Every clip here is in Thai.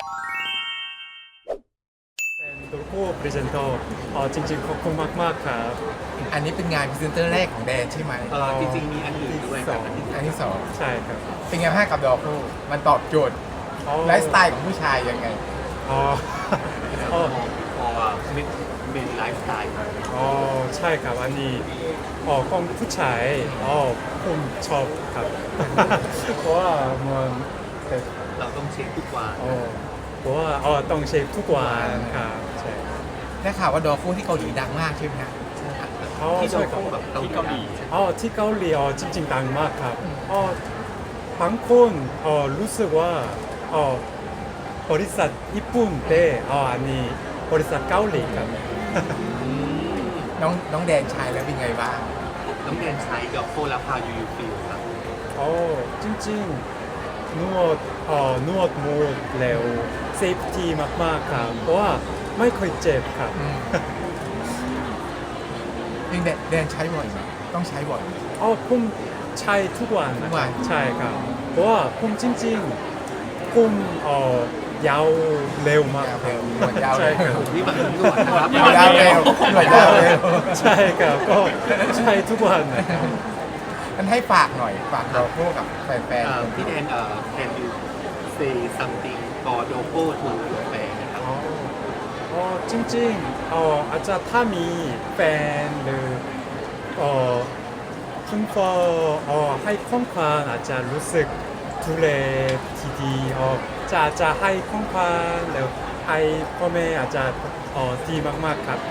เป็นตัวผู้พรีเซนเตอร์จริงๆขอบคุณมากๆครับอันนี้เป็นงานพรีเซนเตอร์แรกของแดนใช่ไหมจริงๆมีอันอื่นด้วยครับอันที่สองใช่ครับเป็นไงบ้างกับดอกคู่มันตอบโจทย์ไลฟ์สไตล์ของผู้ชายยังไงอ๋อพอเป็นไลฟ์สไตล์ครับใช่ครับอันนี้ของผู้ชายผมชอบครับ เพราะว่ามันเป็นเราต้องเช็คทุกวันเพราะว่าต้องเช็คทุกวันครับใช่ได้ข่าวว่าดอกคู่ที่เกาหลีดังมากใช่ไหมฮะที่ใช่เราครับแบบที่เกาหลีที่เกาหลีจริงๆดังมากครับบางคนรู้สึกว่าบริษัทญี่ปุ่นแต่อันนี้บริษัทเกาหลีครับน้องแดนชายแล้วเป็นไงบ้างน้องเรียนใช้ดอกโฟแล้วพายูฟิลครับจริงๆนวดมูดแล้วเซฟตี้มากๆครับเพราะว่าไม่เคยเจ็บครับยังแดนใช้บ่อยไหมต้องใช้บ่อยไหมผมใช้ทุกวันทุกวันใช่ครับเพราะว่าผมจริงๆผมยาวเร็วมากครับยาวใช่เร็คว รับนี่มันด่วนนะครับยาวเร็วหน่วยยาวเร็วใช่ครับก็ใช้ทุกวันนะครับมันให้ฝากหน่อยฝากดอกคู่กับแฟนพี่แดนcan you say something for Dopo to your fan นะครับจริงๆอาจจะถ้ามีแฟนหรือคุณพ่อให้ของขวัญอาจจะรู้สึกดูแลที่ดีจะให้ของขวัญแล้วให้พ่อแม่อาจจะดีมากๆครับ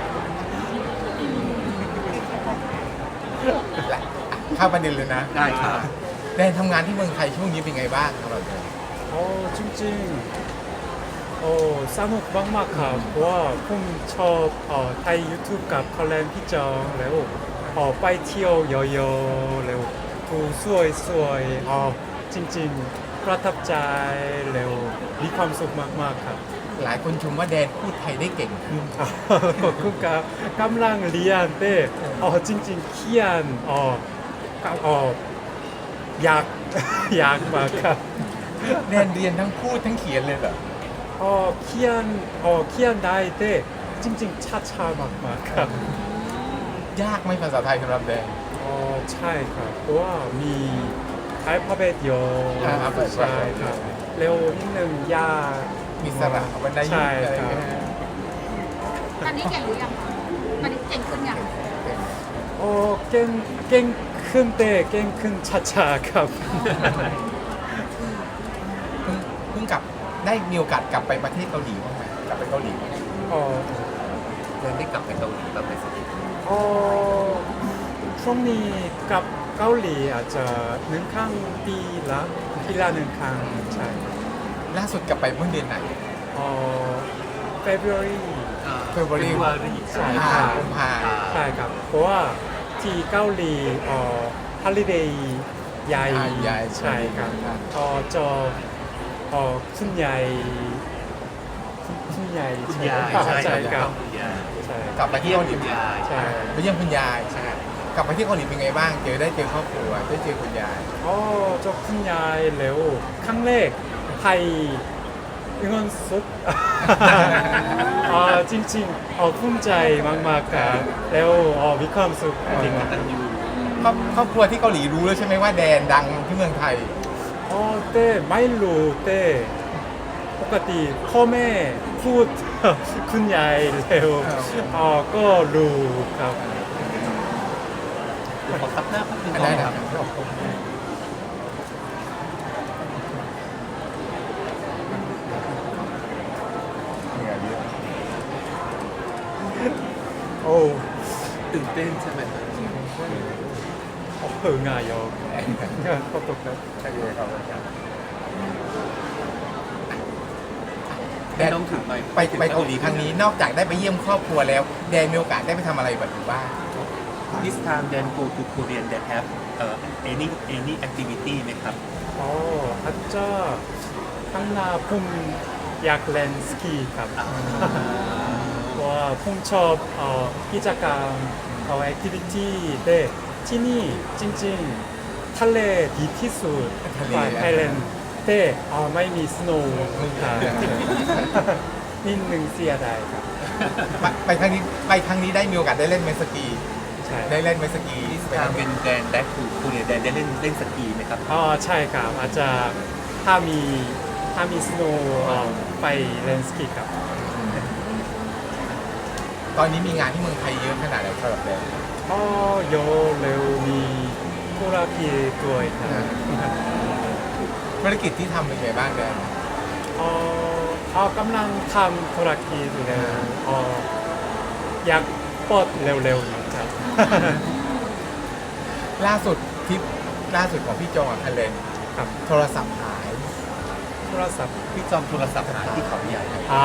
และเข้าประเด็นเลยนะได้ครับแดนทำงานที่เมืองไทยช่วงนี้เป็นไงบ้างสำหรับแดนจริงๆสนุกมากๆครับเพราะว่าผมชอบไทย YouTube กับคอลเลนพี่จองแล้วไปเที่ยวเยอะๆแล้วดูสวยๆจริงๆประทับใจแล้วมีความสุขมากๆครับหลายคนชมว่าแดนพูดไทยได้เก่งขึ้นขอบคุณครับกำลังเรียนแต่จริงๆเขียนอยาก อยากมากครับแดนเรียนทั้งพูดทั้งเขียนเลยเหรอเขียนได้แต่จริงๆช้าๆมากๆครับยากไหมภาษาไทยสำหรับแดนใช่ครับเพราะว่ามีอัลฟาเบตเยอะอัลฟาเบตใช่ครับเร็วนิดนึงยากมีสระวรรณยุกใช่ต์อะไรครัเงี้บยตอนนี้เก่งหรือยังคะตอนนี้เก่งขึ้นยังเก่งขึ้นแต่เก่งขึ้นช้าๆครับเพิ่งกลับได้มีโอกาสกลับไปประเทศเกาหลีบ้างไหมกลับไปเกาหลีบ้างไหมแดนได้กลับไปเกาหลีแบบไปสนิทช่วงนี้กับเกาหลีอาจจะหนึ่งครั้งปีละหนึ่งครั้งใช่ล่าสุดกลับไปเมื่อเดือนไหน February February ใช่กุมภาใช่ครับเพราะว่าที่เกาหลีholiday ใหญ่ใหญ่ใช่ครับจะคุณใหญ่ใช่คุณยายครับใช่ใช่ครับคุณยายใช่กลับไปที่เกาหลีคุณยายใช่ไปเยี่ยมคุณยายกลับไปที่เกาหลีเป็นไงบ้างเจอครอบครัวได้เจอคุณยายเจ้าคุณยายแล้วครั้งแรกไทยเงินสด จริงๆภูมิใจมากๆครับแล้วมีความสุขจริงตันยูครอบครัวที่เกาหลีรู้แล้วใช่ไหมว่าแดนดังที่เมืองไทยแต่ไม่รู้แต่ปกติพ่อแม่พูด คุณยายแล้วก็รู้ครับเดี๋ยวขอซับหน้าแป๊บนึงได้คครัรับ บเหนื่อยเยอะโอ้ตื่นเต้นใช่ไหมครับง่ายよขอบคุณครับใช่เลยครับแดนต้องถือไมค์ไปเกาหลีครั้งนี้นอกจากได้ไปเยี่ยมครอบครัวแล้วแดนมีโอกาสได้ไปทำอะไรแบบอยู่บ้าง This time then go to Korean that have any activity ไหมครับอาจจะข้างหน้าผมอยากเล่นสกีครับ เพราะว่าผมชอบกิจกรรมแอคทิวิตี้แต่ที่นี่จริงๆทะเลดีที่สุดทะเลไทยแลนด์แต่แต่ไม่มีสโนว์ครับนิดนึงเสียดายครับไปครั้งนี้ได้มีโอกาสได้เล่นเมสกีใช่ได้เล่นเมสกีทางเป็นแดนแบ็คทูคูเรียแดนได้เล่นสกีไหมครับใช่ครับอาจจะถ้ามีสโนว์ไปเล่นสกีครับตอนนี้มีงานที่เมืองไทยเยอะขนาดไหนสำหรับแดนโยเร็วมีธุรกิจด้วยครับธุรกิจที่ทำเป็นไงบ้างแดนกำลังทำธุรกิจแล้วอยากเปิดเร็วๆนะครับล่าสุดของพี่จองกับคันเลนครับโทรศัพท์หายโทรศัพท์พี่จอมโทรศัพท์หายที่เขาใหญ่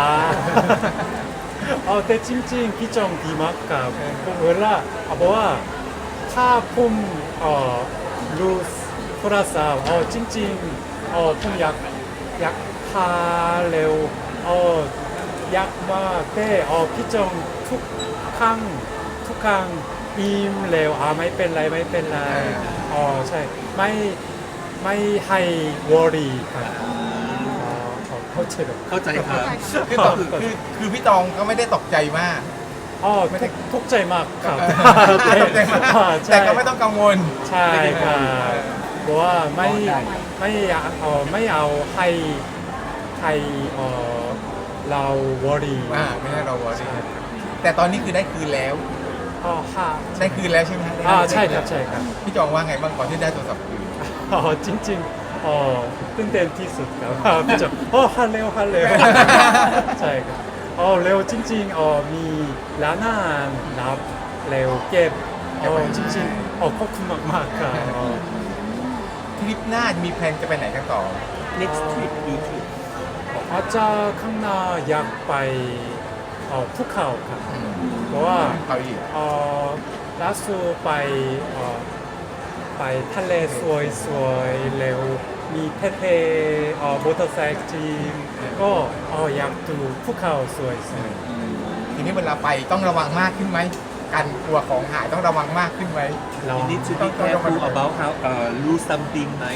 แต่จริงๆพี่จองดีมากครับผมเวลาบอกว่าถ้าผมรู้โทรศัพท์จริงๆผมอยากพาเร็วอยากมากแต่พี่จองทุกครั้งอิ่มเร็วไม่เป็นไรใช่ไม่ให้วอรี่ครับเข้าใจแบบเข้าใจครับคือพี่จองก็ไม่ได้ตกใจมากไม่ได้ทุกข์ใจมากครับตกใจมากแต่ก็ไม่ต้องกังวลใช่ครับเพราะว่าไม่เอาให้เราวอรี่ไม่ให้เราวอรี่แต่ตอนนี้คือได้คืนแล้วค่ะได้คืนแล้วใช่ไหมใช่ครับพี่จองว่าไงบ้างก่อนที่ได้โทรศัพท์คืนจริงๆตื่นเต้นที่สุดครับพี่จอฮัลโหลใช่ครับเร็วจริงๆมีร้านอาหารรับเร็วเก็บจริงๆขอบคุณมากๆครับทริปหน้ามีแพลนจะไปไหนกันต่อ next trip YouTube อาจจะข้างหน้าอยากไปภูเขาครับเพราะว่าเขาอีกล่าสุดไปทะเลสวยๆเร็วมีเท่ๆมอเตอร์ไซค์จีนก็อยากดูภูเขาสวยทีนี้เวลาไปต้องระวังมากขึ้นไหมการกลัวของหายต้องระวังมากขึ้นไหมๆเรา you need to be careful about how lose something ไหม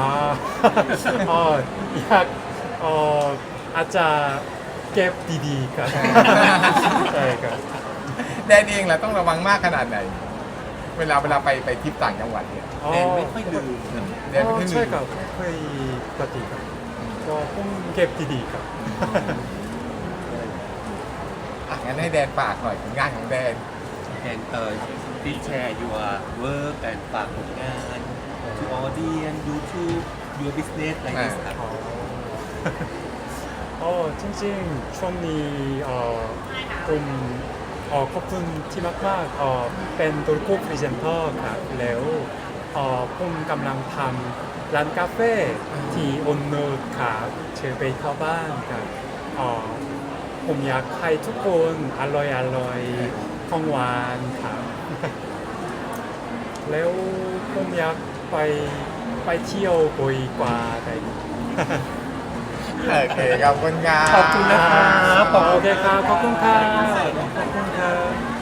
อยากอาจจะเก็บดีๆครับ ใช่ครับแดนเองล่ะต้องระวังมากขนาดไหน เวลาไปทริปต่างจังหวัดเนี่ยแดนไม่ค่อยลืมนะแดนไม่ค่อยลืมใช่ครับไม่ค่อยปฏิครับก็ผมเก็บดีๆครับงั้นให้แดนฝากหน่อยผลงานของแดน and please share your work and ฝากผลงาน to audience YouTube your business อะไรนี้ครับจริงๆช่วงนี้ผมขอบคุณที่มากๆเป็นตัวคู่พรีเซนเตอร์ครับแล้วผมกำลังทำร้านกาแฟที่อนนุชครับชื่อไปเข้าบ้านครับผมอยากให้ทุกคนอร่อยของหวานครับ แล้วผมอยากไปเที่ยวบ่อยกว่าได้โอเคขอบคุณครับขอบคุณนะครับโอเคครับ ขอบคุณครับ ขอบคุณครับ